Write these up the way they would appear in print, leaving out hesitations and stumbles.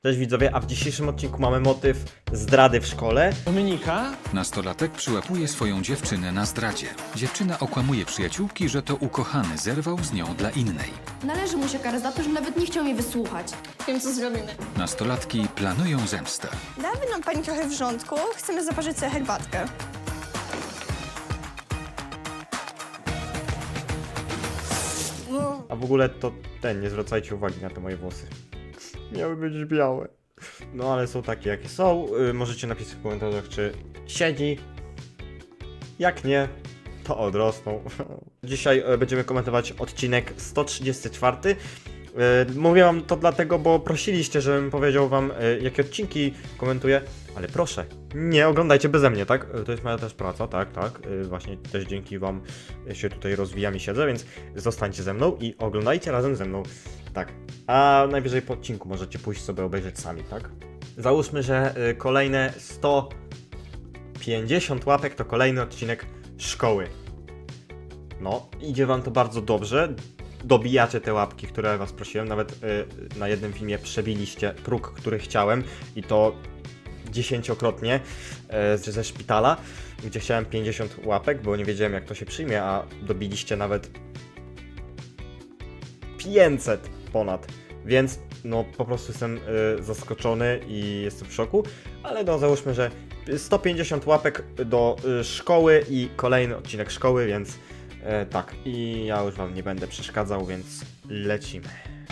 Cześć widzowie, a w dzisiejszym odcinku mamy motyw zdrady w szkole. Dominika? Nastolatek przyłapuje swoją dziewczynę na zdradzie. Dziewczyna okłamuje przyjaciółki, że to ukochany zerwał z nią dla innej. Należy mu się kara za to, że nawet nie chciał mnie wysłuchać. Wiem, co zrobimy. Nastolatki planują zemstę. Dałaby nam pani trochę wrzątku. Chcemy zaparzyć sobie herbatkę. A w ogóle to nie zwracajcie uwagi na te moje włosy. Miały być białe. No ale są takie jakie są. Możecie napisać w komentarzach, czy siedzi. Jak nie, to odrosną. Dzisiaj będziemy komentować odcinek 134. Mówię wam to dlatego, bo prosiliście, żebym powiedział wam, jakie odcinki komentuję, ale proszę, nie oglądajcie beze mnie, tak? To jest moja też praca, tak. Właśnie też dzięki wam się tutaj rozwijam i siedzę, więc zostańcie ze mną i oglądajcie razem ze mną, tak. A najwyżej po odcinku możecie pójść sobie obejrzeć sami, tak? Załóżmy, że kolejne 150 łapek to kolejny odcinek szkoły. No, idzie wam to bardzo dobrze. Dobijacie te łapki, które was prosiłem. Nawet na jednym filmie przebiliście próg, który chciałem. I to 10-krotnie ze szpitala, gdzie chciałem 50 łapek, bo nie wiedziałem, jak to się przyjmie, a dobiliście nawet 500 ponad. Więc no po prostu jestem zaskoczony i jestem w szoku. Ale no załóżmy, że 150 łapek do szkoły i kolejny odcinek szkoły, więc tak, i ja już wam nie będę przeszkadzał, więc lecimy.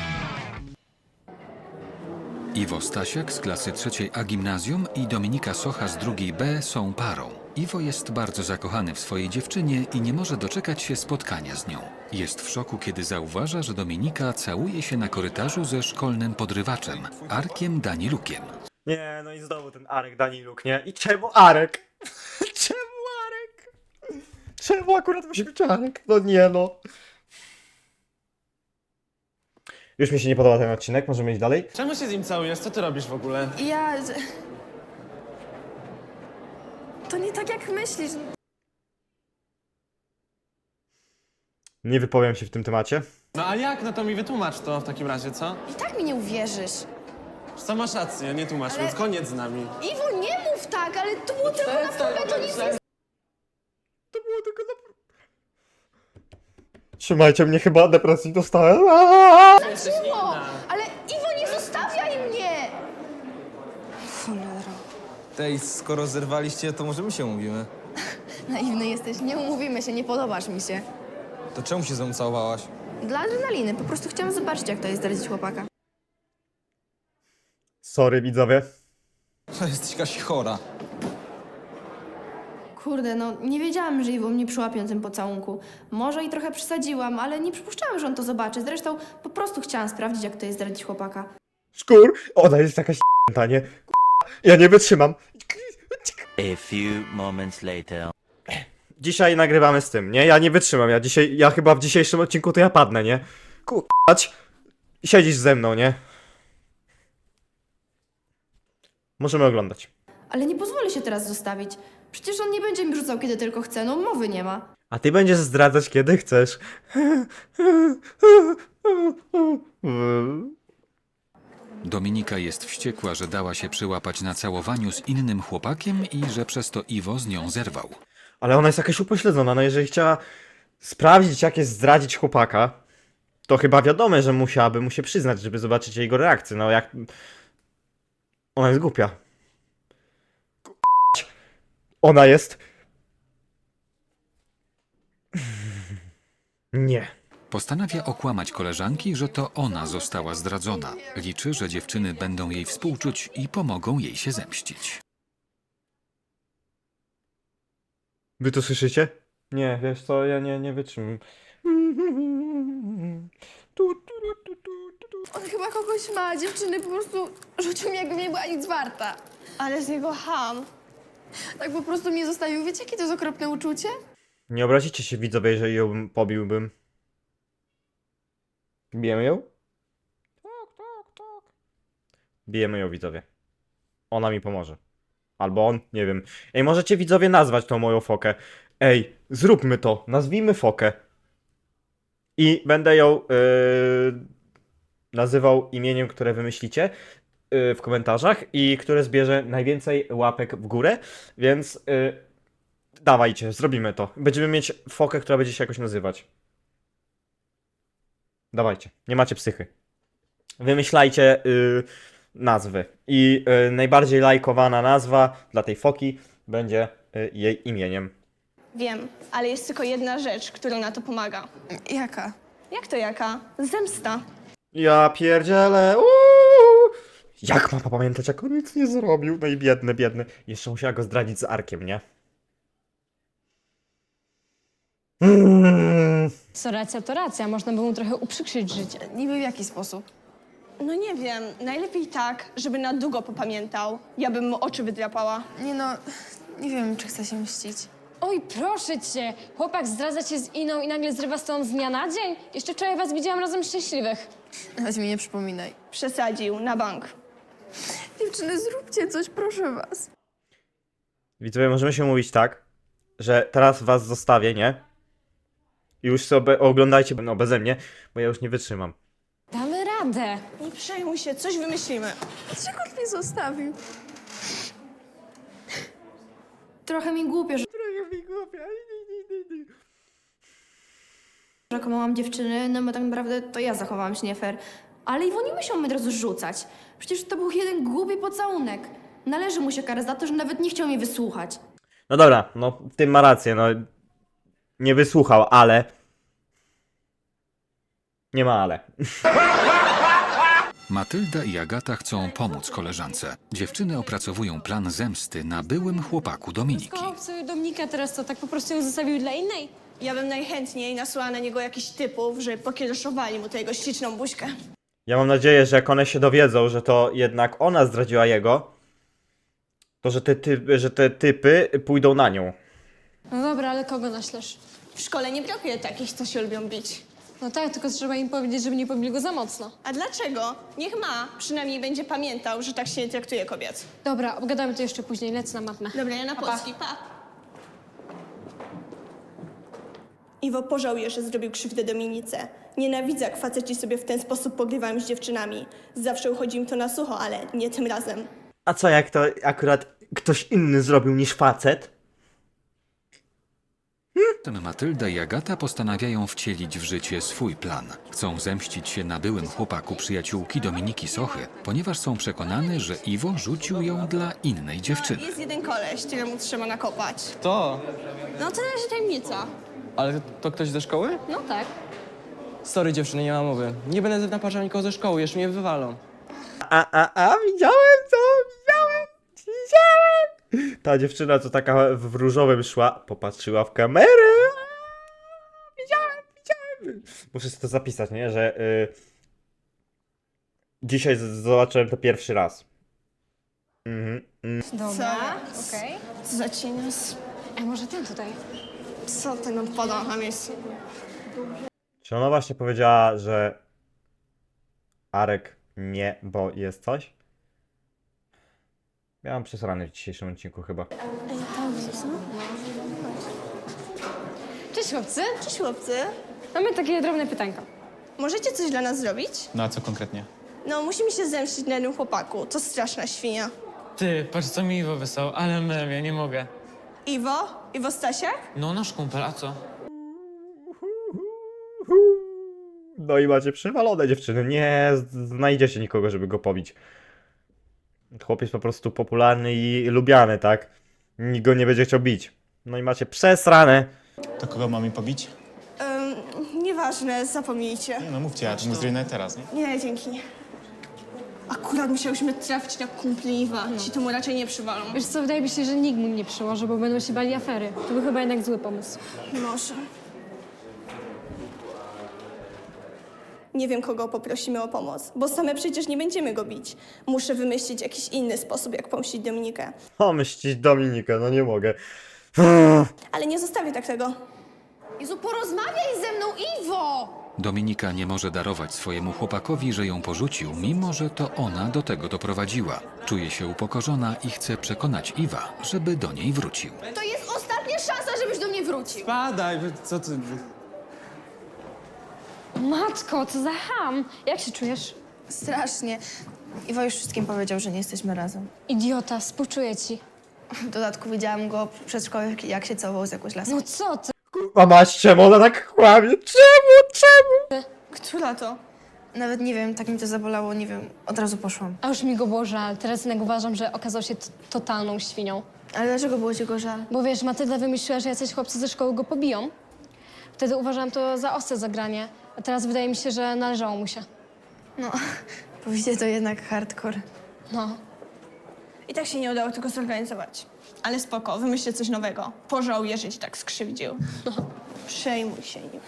Iwo Stasiak z klasy 3A gimnazjum i Dominika Socha z 2B są parą. Iwo jest bardzo zakochany w swojej dziewczynie i nie może doczekać się spotkania z nią. Jest w szoku, kiedy zauważa, że Dominika całuje się na korytarzu ze szkolnym podrywaczem, Arkiem Danilukiem. Nie, no i znowu ten Arek Daniluk, nie? I czemu Arek? Czemu Arek? Czemu akurat musi być Arek? No nie no. Już mi się nie podoba ten odcinek, możemy iść dalej? Czemu się z nim całujesz? Co ty robisz w ogóle? To nie tak jak myślisz. Nie wypowiem się w tym temacie. No a jak? No to mi wytłumacz to w takim razie, co? I tak mi nie uwierzysz. Co masz rację, nie tłumacz, Ale- więc koniec z nami. Iwo, nie mów tak, ale to było tylko na próbę, to nic nie... To było tylko na... Trzymajcie mnie, chyba depresji dostałem. Jesteś było. inna. Ale Iwo, nie zostawiaj mnie! Cholera. Tej, skoro zerwaliście, to może my się umówimy. Naiwny jesteś, nie umówimy się, nie podobasz mi się. To czemu się ze mną całowałaś? Dla adrenaliny, po prostu chciałam zobaczyć, jak to jest zdradzić chłopaka. Sorry widzowie. To jesteś jakaś chora. Kurde, no nie wiedziałam, że Iwo mnie przyłapie na tym pocałunku. Może i trochę przesadziłam, ale nie przypuszczałam, że on to zobaczy. Zresztą po prostu chciałam sprawdzić, jak to jest zdradzić chłopaka. Szkur, ona jest jakaś nie? Ja nie wytrzymam. A few moments later. Dzisiaj nagrywamy z tym, nie? Ja nie wytrzymam, ja chyba w dzisiejszym odcinku to ja padnę, nie? K***ać. Siedzisz ze mną, nie? Możemy oglądać. Ale nie pozwolę się teraz zostawić. Przecież on nie będzie mi rzucał, kiedy tylko chce, no mowy nie ma. A ty będziesz zdradzać kiedy chcesz. Dominika jest wściekła, że dała się przyłapać na całowaniu z innym chłopakiem i że przez to Iwo z nią zerwał. Ale ona jest jakaś upośledzona, no jeżeli chciała sprawdzić, jak jest zdradzić chłopaka, to chyba wiadomo, że musiałaby mu się przyznać, żeby zobaczyć jego reakcję. No jak... Ona jest głupia. Ona jest... Nie. Postanawia okłamać koleżanki, że to ona została zdradzona. Liczy, że dziewczyny będą jej współczuć i pomogą jej się zemścić. Wy to słyszycie? Nie, wiesz co, ja nie wytrzymam. On chyba kogoś ma, dziewczyny po prostu rzucił mi, jakby nie była nic warta. Ale z niego ham. Tak po prostu mnie zostawił. Wiecie, jakie to jest okropne uczucie? Nie obrazicie się widzowie, jeżeli ją pobiłbym. Bijemy ją? Tak. Bijemy ją widzowie. Ona mi pomoże. Albo on, nie wiem. Ej, możecie widzowie nazwać tą moją fokę. Ej, zróbmy to. Nazwijmy fokę. I będę ją nazywał imieniem, które wymyślicie. w komentarzach i który zbierze najwięcej łapek w górę, więc dawajcie, zrobimy to. Będziemy mieć fokę, która będzie się jakoś nazywać. Dawajcie, nie macie psychy. Wymyślajcie nazwy i najbardziej lajkowana nazwa dla tej foki będzie jej imieniem. Wiem, ale jest tylko jedna rzecz, która na to pomaga. Jaka? Jak to jaka? Zemsta. Ja pierdzielę. Jak ma pamiętać, jak on nic nie zrobił? No i biedny, biedny. Jeszcze musiała go zdradzić z Arkiem, nie? Co racja, to racja. Można by mu trochę uprzykrzyć życie. Niby w jaki sposób? No nie wiem, najlepiej tak, żeby na długo popamiętał. Ja bym mu oczy wydrapała. Nie no, nie wiem, czy chcę się mścić. Oj, proszę cię! Chłopak zdradza cię z Iną i nagle zrywa z tobą z dnia na dzień? Jeszcze wczoraj was widziałam razem szczęśliwych. Nawet mi nie przypominaj. Przesadził, na bank. Dziewczyny, zróbcie coś, proszę was. Widzowie, możemy się mówić tak, że teraz was zostawię, nie? I już sobie oglądajcie beze mnie, bo ja już nie wytrzymam. Damy radę. Nie przejmuj się, coś wymyślimy. Dlaczego on mnie zostawił? Trochę mi głupio, że kłamałam dziewczyny, no bo tak naprawdę to ja zachowałam się nie fair. Ale Iwo nie musiał mnie od razu rzucać. Przecież to był jeden głupi pocałunek. Należy mu się kara za to, że nawet nie chciał mnie wysłuchać. No dobra, no w tym ma rację, no. Nie wysłuchał, ale... Nie ma ale. Matylda i Agata chcą pomóc koleżance. Dziewczyny opracowują plan zemsty na byłym chłopaku Dominiki. Kochał sobie Dominika, teraz to tak po prostu ją zostawił dla innej? Ja bym najchętniej nasłała na niego jakichś typów, żeby pokiereszowali mu tę jego śliczną buźkę. Ja mam nadzieję, że jak one się dowiedzą, że to jednak ona zdradziła jego, to że te typy pójdą na nią. No dobra, ale kogo naślesz? W szkole nie brakuje takich, co się lubią bić. No tak, tylko trzeba im powiedzieć, żeby nie pobili go za mocno. A dlaczego? Niech ma. Przynajmniej będzie pamiętał, że tak się nie traktuje kobiet. Dobra, obgadamy to jeszcze później, lecę na matmę. Dobra, ja na polski, pa. Iwo pożałuje, że zrobił krzywdę Dominice. Nienawidzę, jak faceci sobie w ten sposób pogrywają z dziewczynami. Zawsze uchodzi im to na sucho, ale nie tym razem. A co jak to akurat ktoś inny zrobił niż facet? Potem Matylda i Agata postanawiają wcielić w życie swój plan. Chcą zemścić się na byłym chłopaku przyjaciółki Dominiki Sochy, ponieważ są przekonane, że Iwo rzucił ją dla innej dziewczyny. Jest jeden koleś, któremu trzeba nakopać. To? No to na razie tajemnica. Ale to ktoś ze szkoły? No tak. Sorry dziewczyny, nie ma mowy. Nie będę naparzał nikogo ze szkoły, jeszcze mnie wywalą. Widziałem to, widziałem. Ta dziewczyna, co taka w różowym szła, popatrzyła w kamerę. Widziałem. Muszę sobie to zapisać, nie? Że dzisiaj zobaczyłem to pierwszy raz. Dobra, okej. Co za cienias? A może ten tutaj? Co ten odpada na miejscu? Czy ona właśnie powiedziała, że Arek nie, bo jest coś? Miałam przesrany w dzisiejszym odcinku chyba. Cześć chłopcy. Cześć chłopcy. Mamy takie drobne pytanko. Możecie coś dla nas zrobić? No a co konkretnie? No, musimy się zemścić na jednym chłopaku. To straszna świnia. Ty, patrz co mi Iwo wysłał, ale mem, ja nie mogę. Iwo? Iwo Stasiak? No nasz kumpel, a co? No i macie przywalone dziewczyny. Nie znajdziecie nikogo, żeby go pobić. Chłopiec po prostu popularny i lubiany, tak? Nikt go nie będzie chciał bić. No i macie przesrane. To kogo mam mi pobić? Nieważne, zapomnijcie. Nie no mówcie, ja to mu zrobię teraz, nie? Nie, dzięki. Akurat musiałyśmy trafić na kumpli Iwa. Ci to mu raczej nie przywalą. Wiesz co, wydaje mi się, że nikt mu nie przyłoży, bo będą się bali afery. To był chyba jednak zły pomysł. Może. Nie wiem, kogo poprosimy o pomoc, bo same przecież nie będziemy go bić. Muszę wymyślić jakiś inny sposób, jak pomścić Dominikę. O, mścić Dominikę, no nie mogę. Ale nie zostawię tak tego. Jezu, porozmawiaj ze mną, Iwo! Dominika nie może darować swojemu chłopakowi, że ją porzucił, mimo że to ona do tego doprowadziła. Czuje się upokorzona i chce przekonać Iwa, żeby do niej wrócił. To jest ostatnia szansa, żebyś do mnie wrócił. Badaj, co ty... Matko, co za ham! Jak się czujesz? Strasznie. Iwo już wszystkim powiedział, że nie jesteśmy razem. Idiota, współczuję ci. W dodatku widziałam go przed szkołą, jak się całował z jakąś laską. No co ty? Kurwa mać, czemu ona tak kłamie? Czemu? Która to? Nawet nie wiem, tak mi to zabolało, nie wiem, od razu poszłam. A już mi go było żal. Teraz jednak uważam, że okazał się totalną świnią. Ale dlaczego było ci go żal? Bo wiesz, Matylda wymyśliła, że jacyś chłopcy ze szkoły go pobiją. Wtedy uważałam to za ostre zagranie, a teraz wydaje mi się, że należało mu się. No, powiedzcie, to jednak hardcore. No. I tak się nie udało tego zorganizować. Ale spoko, wymyślę coś nowego. Pożałuję, że ci tak skrzywdził. Przejmuj się nim.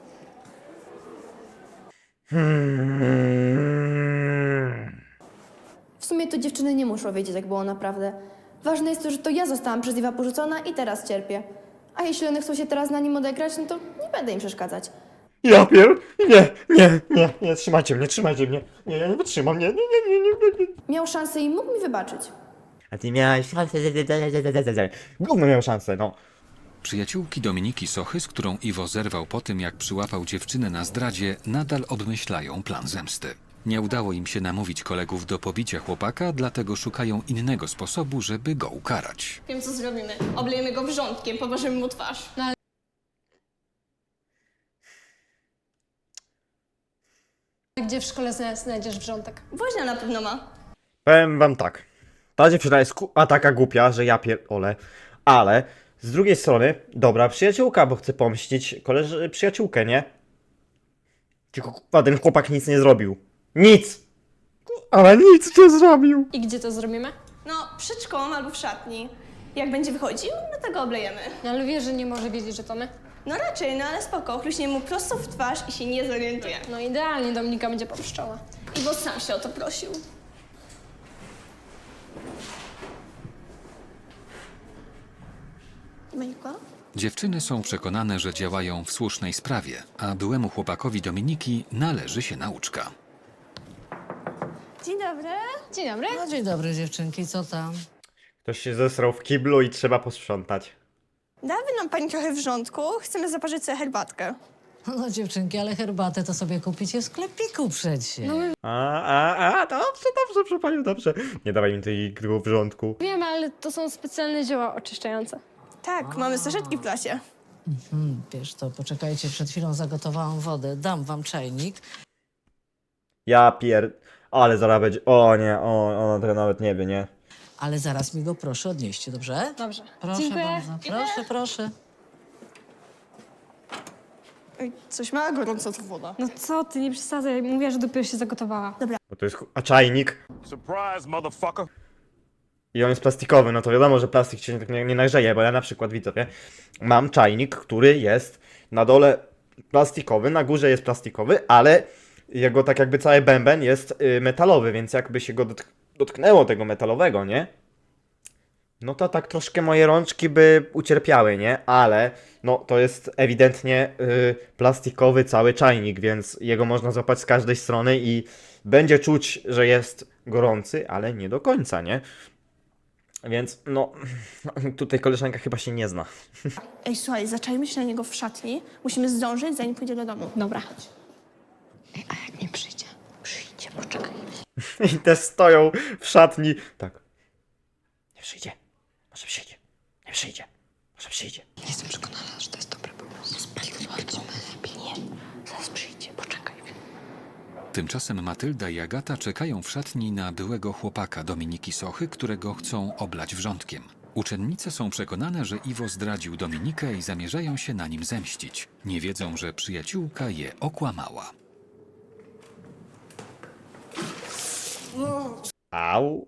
W sumie to dziewczyny nie muszą wiedzieć, jak było naprawdę. Ważne jest to, że to ja zostałam przez Iwa porzucona i teraz cierpię. A jeśli one chcą się teraz na nim odegrać, no to nie będę im przeszkadzać. Ja nie, trzymajcie mnie. Nie, ja nie wytrzymam, nie. Miał szansę i mógł mi wybaczyć. A ty miałeś szansę, gówno miał szansę, no. Przyjaciółki Dominiki Sochy, z którą Iwo zerwał po tym, jak przyłapał dziewczynę na zdradzie, nadal obmyślają plan zemsty. Nie udało im się namówić kolegów do pobicia chłopaka, dlatego szukają innego sposobu, żeby go ukarać. Wiem, co zrobimy. Oblejemy go wrzątkiem, poważymy mu twarz. Gdzie w szkole znajdziesz wrzątek? Woźnia na pewno ma. Powiem wam tak. Ta dziewczyna jest taka głupia, że ja pierdolę. Ale z drugiej strony, dobra przyjaciółka, bo chce pomścić przyjaciółkę, nie? Tylko kurwa, ten chłopak nic nie zrobił. Nic! Ale nic nie zrobił. I gdzie to zrobimy? No, przed szkołą albo w szatni. Jak będzie wychodził, no to go oblejemy. No ale wiesz, że nie może wiedzieć, że to my. No raczej, no ale spoko. Chluśnie mu prosto w twarz i się nie zorientuje. No idealnie, Dominika będzie popszczoła. Iwo sam się o to prosił. Dominika? Dziewczyny są przekonane, że działają w słusznej sprawie, a byłemu chłopakowi Dominiki należy się nauczka. Dzień dobry. Dzień dobry. No dzień dobry dziewczynki, co tam? Ktoś się zesrał w kiblu i trzeba posprzątać. Dałaby nam pani trochę wrzątku. Chcemy zaparzyć sobie herbatkę. No dziewczynki, ale herbatę to sobie kupicie w sklepiku przecie. Dobrze, proszę panią, dobrze. Nie dawaj mi tej gry w rządku. Wiem, ale to są specjalne zioła oczyszczające. Tak, mamy saszetki w klasie. Wiesz to, poczekajcie, przed chwilą zagotowałam wodę, dam wam czajnik. Ale zaraz będzie... O nie, ona tego nawet nie wie, nie? Ale zaraz mi go proszę odnieście, dobrze? Dobrze. Proszę Dziękuję. bardzo, proszę. Ej, coś ma gorąco ta woda. No co ty, nie przesadzaj. Mówiła, że dopiero się zagotowała. Bo to jest a czajnik. Surprise, motherfucker! I on jest plastikowy, no to wiadomo, że plastik się tak nie nagrzeje, bo ja na przykład, widzowie, mam czajnik, który jest na dole plastikowy, na górze jest plastikowy, ale jego tak jakby cały bęben jest metalowy, więc jakby się go dotknęło tego metalowego, nie? No to tak troszkę moje rączki by ucierpiały, nie? Ale no to jest ewidentnie plastikowy cały czajnik, więc jego można złapać z każdej strony i będzie czuć, że jest gorący, ale nie do końca, nie? Więc no, tutaj koleżanka chyba się nie zna. Ej, słuchaj, zaczajmy się na niego w szatni. Musimy zdążyć, zanim pójdzie do domu. Dobra. A jak nie przyjdzie? Przyjdzie, poczekaj. I te stoją w szatni. Tak. Nie przyjdzie. Może przyjdzie. Nie przyjdzie. Może przyjdzie. Jestem przekonana, że to jest dobry pomysł. Chodźmy lepiej. Nie, zaraz przyjdzie, poczekaj. Tymczasem Matylda i Agata czekają w szatni na byłego chłopaka Dominiki Sochy, którego chcą oblać wrzątkiem. Uczennice są przekonane, że Iwo zdradził Dominikę i zamierzają się na nim zemścić. Nie wiedzą, że przyjaciółka je okłamała. Au.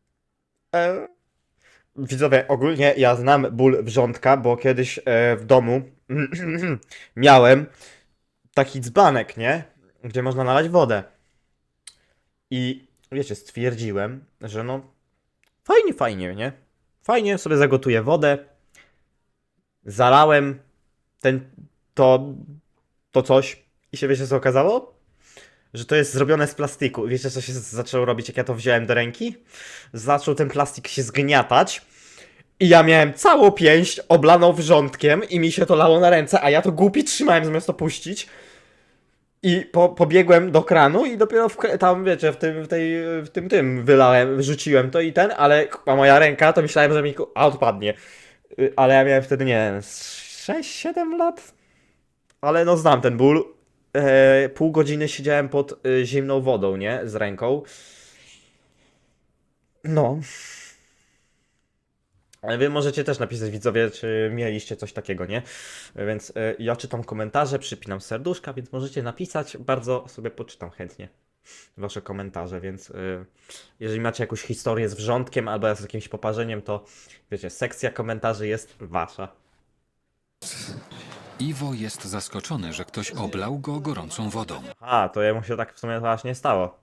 Widzowie, ogólnie ja znam ból wrzątka, bo kiedyś w domu miałem taki dzbanek, nie? Gdzie można nalać wodę. I wiecie, stwierdziłem, że no fajnie, nie? Fajnie sobie zagotuję wodę. Zalałem to coś i się wiecie co okazało? Że to jest zrobione z plastiku. Wiecie co się zaczęło robić, jak ja to wziąłem do ręki? Zaczął ten plastik się zgniatać i ja miałem całą pięść oblaną wrzątkiem i mi się to lało na ręce, a ja to głupi trzymałem zamiast to puścić. I pobiegłem do kranu i dopiero tam, wiecie, w tym wylałem, wyrzuciłem to i ale moja ręka, to myślałem, że mi odpadnie. Ale ja miałem wtedy, nie wiem, 6-7 lat. Ale no znam ten ból. Pół godziny siedziałem pod zimną wodą, nie? Z ręką. No. Ale wy możecie też napisać, widzowie, czy mieliście coś takiego, nie? Więc ja czytam komentarze, przypinam serduszka, więc możecie napisać. Bardzo sobie poczytam chętnie wasze komentarze, więc jeżeli macie jakąś historię z wrzątkiem albo z jakimś poparzeniem, to wiecie, sekcja komentarzy jest wasza. Iwo jest zaskoczony, że ktoś oblał go gorącą wodą. A, to jemu się tak w sumie właśnie stało.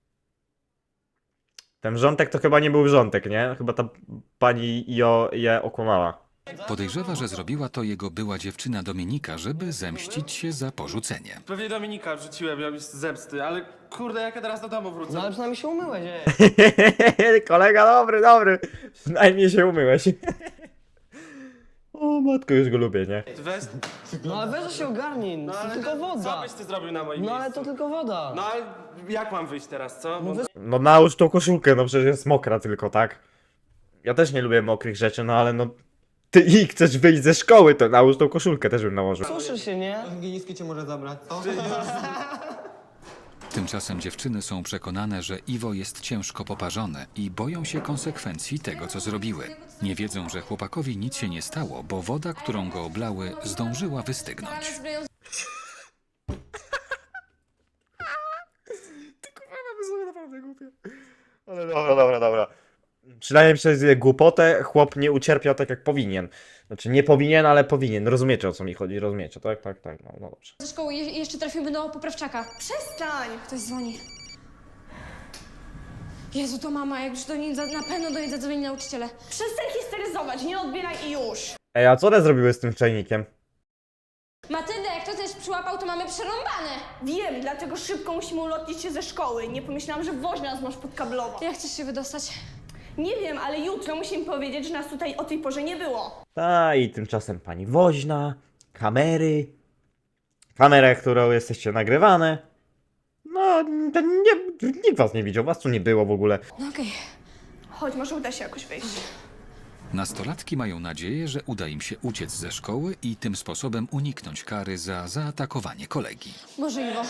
Ten wrzątek to chyba nie był wrzątek, nie? Chyba ta pani je okłamała. Podejrzewa, że zrobiła to jego była dziewczyna Dominika, żeby zemścić się za porzucenie. Pewnie Dominika wrzuciłem ją z zemsty, ale kurde, jak ja teraz do domu wrócę? No ale przynajmniej się umyłeś, ej. Kolega, dobry. Przynajmniej się umyłeś. O matko, już go lubię, nie? Weź, No ale weź się ogarnij, no to ale tylko co woda. byś ty zrobił na moim No ale miejscu? to tylko woda. No ale jak mam wyjść teraz, co? Bo... No nałóż tą koszulkę, no przecież jest mokra tylko, tak? Ja też nie lubię mokrych rzeczy, no ale no... Ty chcesz wyjść ze szkoły, to nałóż tą koszulkę też bym nałożył. Suszy się, nie? Higienistki cię może zabrać, co? Tymczasem dziewczyny są przekonane, że Iwo jest ciężko poparzony i boją się konsekwencji tego, co zrobiły. Nie wiedzą, że chłopakowi nic się nie stało, bo woda, którą go oblały, zdążyła wystygnąć. Naprawdę głupie. Ale dobra. Przynajmniej przez głupotę chłop nie ucierpiał tak jak powinien. Znaczy nie powinien, ale powinien. Rozumiecie, o co mi chodzi, rozumiecie, tak? No dobrze. Ze szkoły jeszcze trafimy do poprawczaka. Przestań! Ktoś dzwoni. Jezu, to mama, jak już do niej na pewno do niej zadzwoni nauczyciele. Przestań histeryzować, nie odbieraj i już! Ej, a co one zrobiły z tym czajnikiem? Matylda, jak to też przyłapał, to mamy przerąbane. Wiem, dlatego szybko musimy ulotnić się ze szkoły. Nie pomyślałam, że woźna nas masz podkablowo. Jak chcesz się wydostać? Nie wiem, ale jutro musimy powiedzieć, że nas tutaj o tej porze nie było. I tymczasem pani woźna, kamery, kamera, którą jesteście nagrywane. No, nikt was nie widział, was tu nie było w ogóle. No okej. Chodź, może uda się jakoś wyjść. Nastolatki mają nadzieję, że uda im się uciec ze szkoły i tym sposobem uniknąć kary za zaatakowanie kolegi. Boże, Iwo.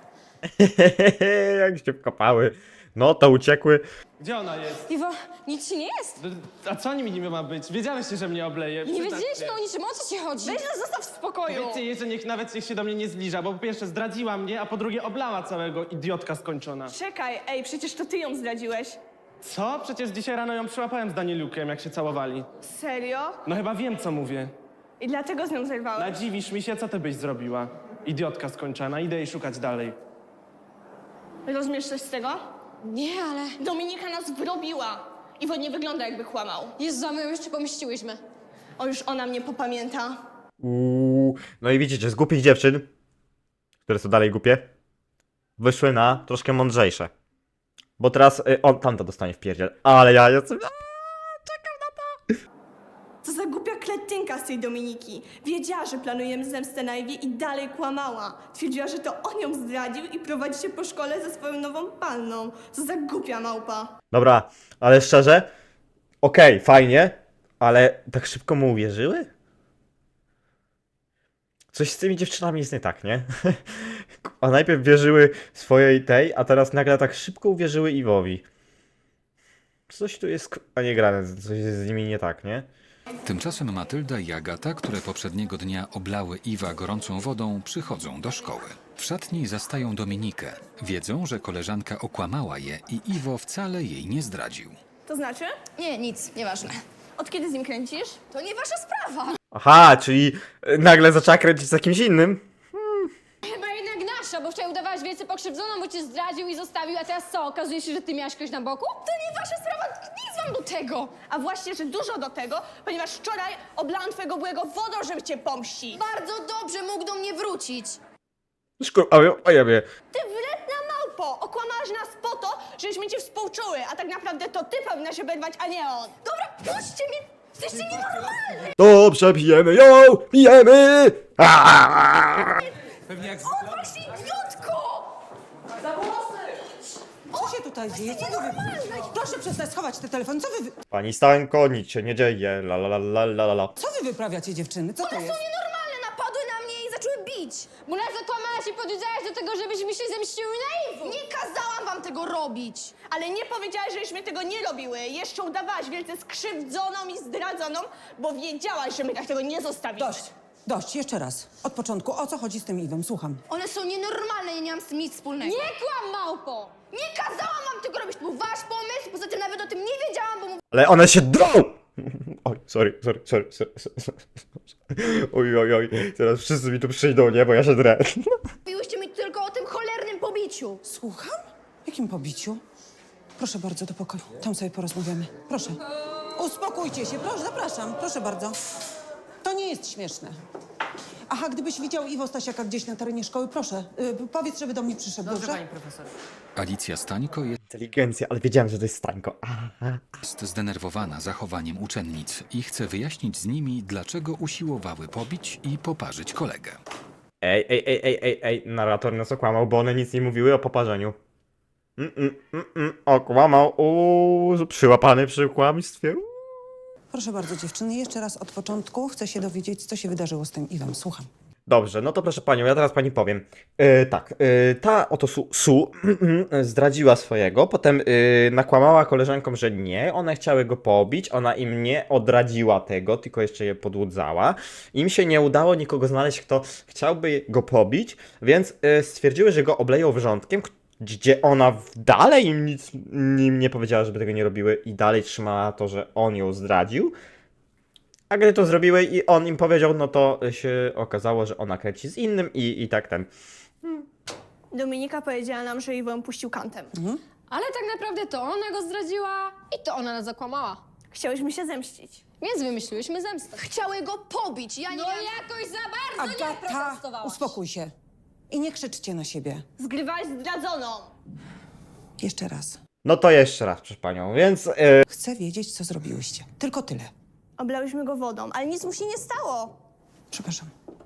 Jak się wkopały. No, to uciekły. Gdzie ona jest? Iwo, nic ci nie jest. A co niby ma być? Wiedziałeś, że mnie obleje. Nie wiedzieliśmy o niczym, o co ci chodzi? Weź nas zostaw w spokoju! Powiedzcie jej, że niech się do mnie nie zbliża, bo po pierwsze zdradziła mnie, a po drugie oblała całego idiotka skończona. Czekaj, ej, przecież to ty ją zdradziłeś. Co? Przecież dzisiaj rano ją przyłapałem z Danieliukiem, jak się całowali. Serio? No chyba wiem, co mówię. I dlatego z nią zerwałeś? Nadziwisz mi się, co ty byś zrobiła? Idiotka skończona, idę jej szukać dalej. Rozumiesz coś z tego? Nie, ale... Dominika nas wrobiła. Iwo nie wygląda, jakby kłamał. Jezu, a my ją jeszcze pomściłyśmy. O, już ona mnie popamięta. No i widzicie, z głupich dziewczyn, które są dalej głupie, wyszły na troszkę mądrzejsze. Bo teraz tamta dostanie w pierdziel. Ale ja jestem... Co za głupia kretynka z tej Dominiki. Wiedziała, że planujemy zemstę na Ewie i dalej kłamała. Twierdziła, że to on ją zdradził i prowadzi się po szkole ze swoją nową panną. Co za głupia małpa. Dobra, ale szczerze, okej, fajnie, ale tak szybko mu uwierzyły? Coś z tymi dziewczynami jest nie tak, nie? A najpierw wierzyły swojej tej, a teraz nagle tak szybko uwierzyły Iwowi. Coś tu jest, a nie grane, coś jest z nimi nie tak, nie? Tymczasem Matylda i Agata, które poprzedniego dnia oblały Iwa gorącą wodą, przychodzą do szkoły. W szatni zastają Dominikę. Wiedzą, że koleżanka okłamała je i Iwo wcale jej nie zdradził. To znaczy? Nie, nic, nieważne. Od kiedy z nim kręcisz? To nie wasza sprawa. Aha, czyli nagle zaczęła kręcić z kimś innym? Chyba jednak nasza, bo wczoraj udawałaś wielce pokrzywdzoną, bo cię zdradził i zostawił, a teraz co, okazuje się, że ty miałaś kogoś na boku? To nie wasza sprawa, nic wam do tego. A właśnie, że dużo do tego, ponieważ wczoraj oblałam twojego byłego wodą, żeby cię pomścić. Bardzo dobrze mógł do mnie wrócić. A ja wie. Ty wredna małpo! Okłamałaś nas po to, żebyśmy cię współczuły, a tak naprawdę to ty powinnaś się oberwać, a nie on. Dobra, puśćcie mnie, jesteście nienormalni. Dobrze, pijemy ją! Pijemy! Pewnie jak O, właśnie idiotka! Co się tutaj dzieje? Co wy... Proszę przestać schować te telefon. Pani Stańko, nic się nie dzieje, la la la la la la. Co wy wyprawiacie, dziewczyny? Co to jest? Nienormalne, napadły na mnie i zaczęły bić. Bo nas zakłamałaś i podjudzałaś do tego, żebyśmy się zemściły na Iwo. Nie kazałam wam tego robić. Ale nie powiedziałaś, żeśmy tego nie robiły. Jeszcze udawałaś wielce skrzywdzoną i zdradzoną, bo wiedziałaś, że my tak tego nie zostawimy. Dość, jeszcze raz. Od początku. O co chodzi z tym Iwem? Słucham. One są nienormalne, ja nie mam z tym nic wspólnego. Nie kłam, małpo! Nie kazałam wam tego robić, to był wasz pomysł, poza tym nawet o tym nie wiedziałam, bo Ale one się drą! Oj, sorry. Oj. Teraz wszyscy mi tu przyjdą, nie? Bo ja się drę. mówiłyście mi tylko o tym cholernym pobiciu. Słucham? Jakim pobiciu? Proszę bardzo, do pokoju. Tam sobie porozmawiamy. Proszę. Uspokójcie się. Proszę, zapraszam. Proszę bardzo. To nie jest śmieszne. Aha, gdybyś widział Iwo Stasiaka gdzieś na terenie szkoły, proszę, powiedz, żeby do mnie przyszedł, dobrze? Alicja Stańko Inteligencja, ale wiedziałem, że to jest Stańko. jest zdenerwowana zachowaniem uczennic i chce wyjaśnić z nimi, dlaczego usiłowały pobić i poparzyć kolegę. Ej, narrator nas okłamał, bo one nic nie mówiły o poparzeniu. Okłamał, przyłapany przy kłamstwie. Proszę bardzo, dziewczyny, jeszcze raz od początku chcę się dowiedzieć, co się wydarzyło z tym Iwem. Słucham. Dobrze, no to proszę panią, ja teraz pani powiem. Ta oto Su zdradziła swojego, potem nakłamała koleżankom, że nie, one chciały go pobić, ona im nie odradziła tego, tylko jeszcze je podłudzała. Im się nie udało nikogo znaleźć, kto chciałby go pobić, więc stwierdziły, że go obleją wrzątkiem, gdzie ona dalej im nic nie powiedziała, żeby tego nie robiły i dalej trzymała to, że on ją zdradził. A gdy to zrobiły i on im powiedział, no to się okazało, że ona kręci z innym i tak ten. Dominika powiedziała nam, że Iwo ją puścił kantem. Ale tak naprawdę to ona go zdradziła i to ona nas zakłamała. Chciałyśmy się zemścić. Więc wymyśliłyśmy zemstę. Chciały go pobić, ja nie No miałam... jakoś za bardzo nie Agata, protestowałaś. uspokój się. I nie krzyczcie na siebie. Zgrywałaś zdradzoną. Jeszcze raz. No to jeszcze raz, proszę panią, więc... Chcę wiedzieć, co zrobiłyście. Tylko tyle. Oblałyśmy go wodą, ale nic mu się nie stało. Przepraszam.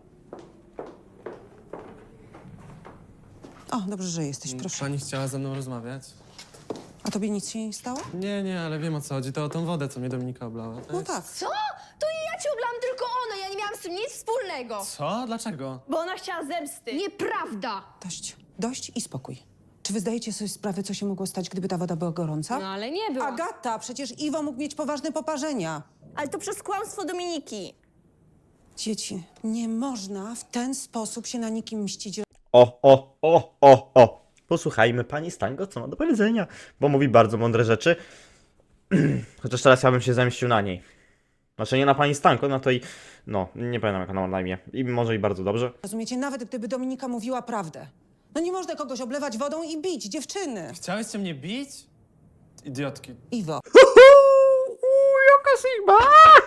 O, dobrze, że jesteś, proszę. Pani chciała ze mną rozmawiać? A tobie nic się nie stało? Nie, ale wiem o co chodzi. To o tą wodę, co mnie Dominika oblała. No tak. Co? To nie ja cię oblałam, tylko one, ja nie miałam z tym nic wspólnego. Co? Dlaczego? Bo ona chciała zemsty. Nieprawda. Dość i spokój. Czy wy zdajecie sobie sprawę, co się mogło stać, gdyby ta woda była gorąca? No ale nie była. Agata, przecież Iwo mógł mieć poważne poparzenia. Ale to przez kłamstwo Dominiki. Dzieci, nie można w ten sposób się na nikim mścić. Posłuchajmy pani Stańko, co ma do powiedzenia, bo mówi bardzo mądre rzeczy. Chociaż teraz ja bym się zemścił na niej. Znaczy nie na pani Stańko, no to i... No, nie pamiętam jak ona ma na imię. I może i bardzo dobrze. Rozumiecie, nawet gdyby Dominika mówiła prawdę. No nie można kogoś oblewać wodą i bić, dziewczyny. Chciałyście mnie bić? Idiotki. Iwo. Jaka Sigma!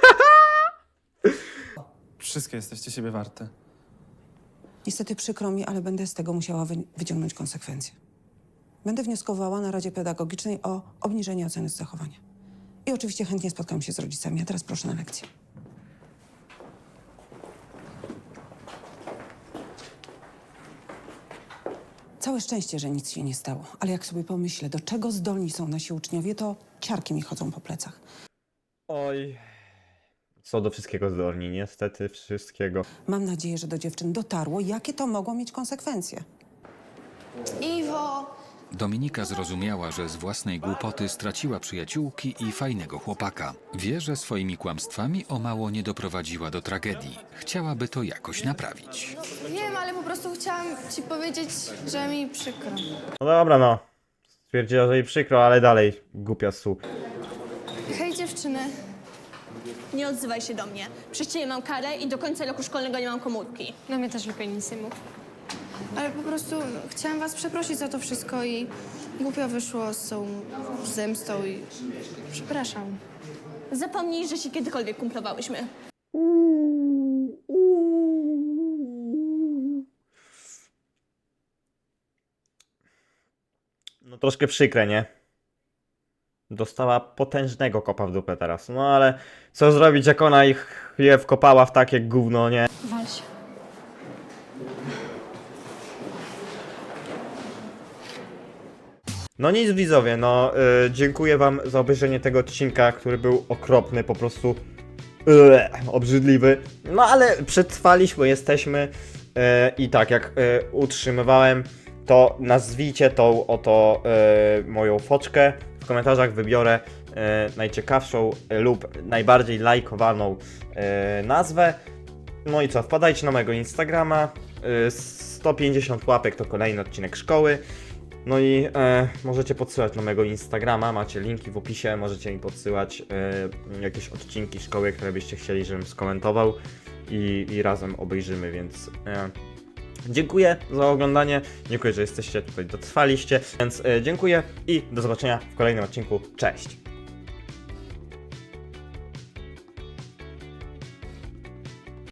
Wszystkie jesteście siebie warte. Niestety przykro mi, ale będę z tego musiała wyciągnąć konsekwencje. Będę wnioskowała na Radzie Pedagogicznej o obniżenie oceny z zachowania. I oczywiście chętnie spotkam się z rodzicami, a teraz proszę na lekcję. Całe szczęście, że nic się nie stało, ale jak sobie pomyślę, do czego zdolni są nasi uczniowie, to ciarki mi chodzą po plecach. Oj... Są do wszystkiego zdolni, niestety wszystkiego. Mam nadzieję, że do dziewczyn dotarło, jakie to mogło mieć konsekwencje. Iwo, Dominika zrozumiała, że z własnej głupoty straciła przyjaciółki i fajnego chłopaka. Wie, że swoimi kłamstwami o mało nie doprowadziła do tragedii. Chciałaby to jakoś naprawić. wiem, ale po prostu chciałam ci powiedzieć, że mi przykro. No dobra, no. Stwierdziła, że jej przykro, ale dalej głupia Su. Hej dziewczyny. Nie odzywaj się do mnie. Przez ciebie mam karę i do końca roku szkolnego nie mam komórki. No mnie też lepiej nic nie mów. Ale po prostu chciałam was przeprosić za to wszystko i głupio wyszło z tą zemstą i przepraszam. Zapomnij, że się kiedykolwiek kumplowałyśmy. No troszkę przykre, nie? Dostała potężnego kopa w dupę teraz. No ale co zrobić, jak ona je wkopała w takie gówno, nie? Wal się. No nic widzowie, no dziękuję wam za obejrzenie tego odcinka, który był okropny, po prostu obrzydliwy. No ale przetrwaliśmy, jesteśmy i tak jak utrzymywałem, to nazwijcie tą oto moją foczkę. W komentarzach wybiorę najciekawszą lub najbardziej lajkowaną nazwę. No i co, wpadajcie na mojego Instagrama. 150 łapek to kolejny odcinek szkoły. No i możecie podsyłać na mojego Instagrama, macie linki w opisie, możecie mi podsyłać jakieś odcinki szkoły, które byście chcieli, żebym skomentował i razem obejrzymy, więc dziękuję za oglądanie, dziękuję, że jesteście tutaj, dotrwaliście, więc dziękuję i do zobaczenia w kolejnym odcinku, cześć!